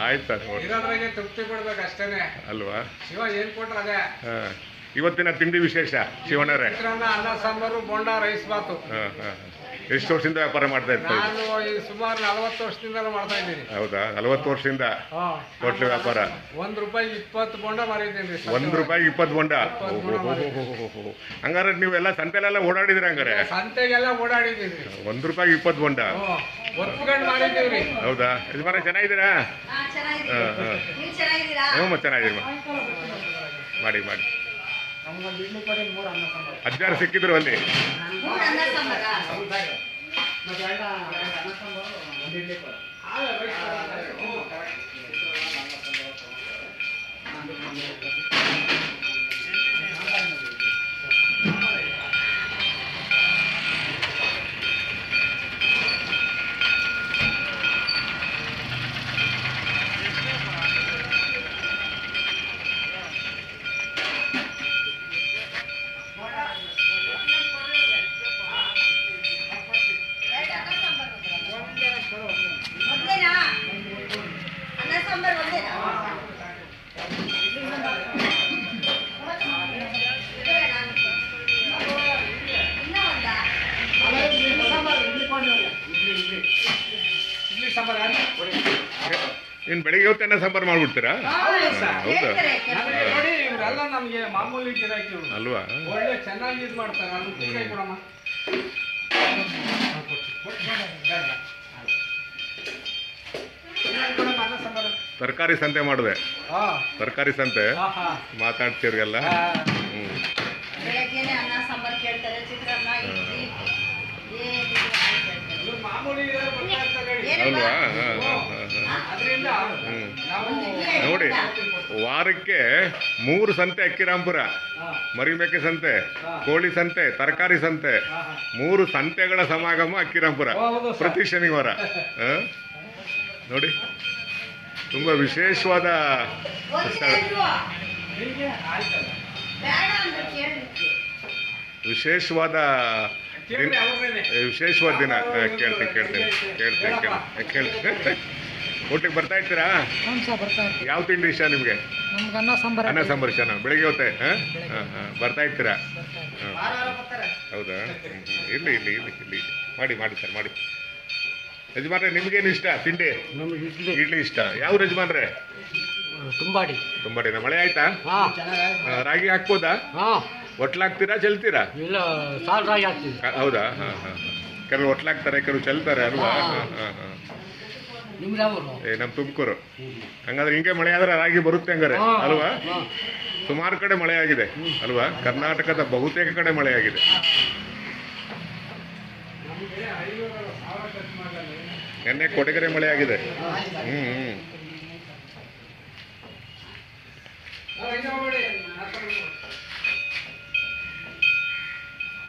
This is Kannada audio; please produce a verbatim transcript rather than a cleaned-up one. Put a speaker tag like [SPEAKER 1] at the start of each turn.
[SPEAKER 1] ಆಯ್ತಾ
[SPEAKER 2] ಇರೋದ್ರಾಗೆ ತೃಪ್ತಿ ಪಡ್ಬೇಕು ಅಷ್ಟೇನೆ
[SPEAKER 1] ಅಲ್ವಾ?
[SPEAKER 2] ಶಿವ ಏನ್ ಕೊಟ್ರ ಅದೇ.
[SPEAKER 1] ಹಾಂ, ಇವತ್ತಿನ ತಿಂಡಿ ವಿಶೇಷ ಶಿವಣ್ಣರೇ?
[SPEAKER 2] ಚಿತ್ರಾನ್ನ, ಅನ್ನ ಸಾಂಬಾರು, ಬೋಂಡ, ರೈಸ್ ಬಾತು.
[SPEAKER 1] ಹಾಂ ಹಾಂ ಎಷ್ಟು ವರ್ಷದಿಂದ ವ್ಯಾಪಾರ ಮಾಡ್ತಾ ಇರ್ತೀವಿ?
[SPEAKER 2] ನಾನು ಈ ಸುಮಾರು ನಲವತ್ತು ವರ್ಷದಿಂದ ಮಾಡ್ತಾ ಇದ್ದೀನಿ.
[SPEAKER 1] ಹೌದಾ? ನಲವತ್ತು ವರ್ಷದಿಂದ ಹೋಟ್ಲು ವ್ಯಾಪಾರ.
[SPEAKER 2] ಒಂದ್ ರೂಪಾಯಿ ಇಪ್ಪತ್ತು ಬೋಂಡ ಮಾರಿದ್ದೀನಿ.
[SPEAKER 1] ಒಂದ್ ರೂಪಾಯಿ ಇಪ್ಪತ್ತು ಬೋಂಡ? ಹಂಗಾರೆ ನೀವೆಲ್ಲ ಸಂತೆಲೆಲ್ಲ ಓಡಾಡಿದ್ರಿ? ಹಂಗಾರೆ
[SPEAKER 2] ಸಂತೆಗೆಲ್ಲ ಓಡಾಡಿದ್ದೀವಿ.
[SPEAKER 1] ಒಂದ್ ರೂಪಾಯಿ ಇಪ್ಪತ್ತು ಬೋಂಡ
[SPEAKER 2] ಒತ್ಕೊಂಡು ಮಾಡಿದ್ದೀವ್ರಿ.
[SPEAKER 1] ಹೌದಾ? ಯಜಮಾನ ಚೆನ್ನಾಗಿದ್ದೀರಾ? ಹಾಂ ಹಾಂ ಹ್ಞೂ ಚೆನ್ನಾಗಿದ್ದೀರಿ. ಮಾಡಿ ಮಾಡಿ. ಅಜ್ಜಾರು ಸಿಕ್ಕಿದ್ರು ಅಲ್ಲಿ? ಇನ್ನು ಬೆಳಿಗ್ಗೆ ಹೊತ್ತು ಅನ್ನ ಸಾಂಬಾರು ಮಾಡ್ಬಿಡ್ತೀರಾ? ಹೌದಾ?
[SPEAKER 2] ನಮಗೆ ಮಾಮೂಲಿ ಗಿರಾಕಿ
[SPEAKER 1] ಅಲ್ವಾ?
[SPEAKER 2] ಒಳ್ಳೆ ಚೆನ್ನಾಗಿ ಇದು ಮಾಡ್ತಾರೆ.
[SPEAKER 1] ತರಕಾರಿ ಸಂತೆ ಮಾಡಿದೆ. ತರಕಾರಿ ಸಂತೆ ಮಾತಾಡ್ತಿರ್ಗಲ್ಲ. ಹ್ಞೂ ಅಲ್ವಾ? ನೋಡಿ, ವಾರಕ್ಕೆ ಮೂರು ಸಂತೆ ಅಕ್ಕಿರಾಂಪುರ, ಮರಿಮೇಕೆ ಸಂತೆ, ಕೋಳಿ ಸಂತೆ, ತರಕಾರಿ ಸಂತೆ, ಮೂರು ಸಂತೆಗಳ ಸಮಾಗಮ ಅಕ್ಕಿರಾಂಪುರ ಪ್ರತಿ ಶನಿವಾರ. ನೋಡಿ, ತುಂಬ ವಿಶೇಷವಾದ ಸ್ಥಳ, ವಿಶೇಷವಾದ ದಿನ, ವಿಶೇಷವಾದ ದಿನ. ಕೇಳ್ತೀನಿ ಕೇಳ್ತೀನಿ ಕೇಳ್ತೀನಿ ಕೇಳ್ತೀನಿ ಕೇಳ್ತೀನಿ ಹೋಟ್ಲಿಗೆ ಬರ್ತಾ ಇರ್ತೀರಾ? ಯಾವ ತಿಂಡಿ ಇಷ್ಟ ನಿಮಗೆ? ಅನ್ನ ಸಾಂಬಾರು ಇಷ್ಟ. ಬೆಳಿಗ್ಗೆ ಹೊತ್ತೆ ಹಾಂ ಹಾಂ ಹಾಂ ಬರ್ತಾ ಇರ್ತೀರಾ? ಹಾಂ ಹೌದಾ? ಇರಲಿ ಇರಲಿ ಇರಲಿ ಇರಲಿ ಮಾಡಿ ಮಾಡಿ ಸರ್ ಮಾಡಿ. ಯಜಮಾನ್ರೆ ನಿಮ್ಗೇನು ಇಷ್ಟ ತಿಂಡಿ? ಇಡ್ಲಿ ಇಷ್ಟ. ಯಾವ ಯಜಮಾನ್ರೆ?
[SPEAKER 2] ತುಂಬಾಡಿ.
[SPEAKER 1] ತುಂಬಾಡಿನ ಮಳೆ ಆಯ್ತಾ? ರಾಗಿ ಹಾಕ್ಬೋದಾ? ಒಟ್ಲಾಗ್ತೀರಾ ಚೆಲ್ತೀರಾ?
[SPEAKER 2] ಇಲ್ಲ, ಸಾಲ್ ರಾಗಿ ಹಾಕ್ತೀವಿ.
[SPEAKER 1] ಹೌದಾ? ಹಾಂ ಹಾಂ ಕೆಲವು ಒಟ್ಲಾಗ್ತಾರೆ, ಕೆಲವು ಚೆಲ್ತಾರೆ ಅಲ್ವಾ? ಹಾಂ ಹಾಂ ಹಾಂ ಏ ನಮ್ಮ ತುಮಕೂರು. ಹಂಗಾದ್ರೆ ಹಿಂಗೆ ಮಳೆ ಆದ್ರೆ ರಾಗಿ ಬರುತ್ತೆ ಹಂಗಾರೆ ಅಲ್ವಾ? ಸುಮಾರು ಕಡೆ ಮಳೆ ಆಗಿದೆ ಅಲ್ವಾ? ಕರ್ನಾಟಕದ ಬಹುತೇಕ ಕಡೆ ಮಳೆ ಆಗಿದೆ. ನಿನ್ನೆ ಕೊಡಗೆರೆ ಮಳೆ ಆಗಿದೆ. ಹ್ಞೂ ಹ್ಞೂ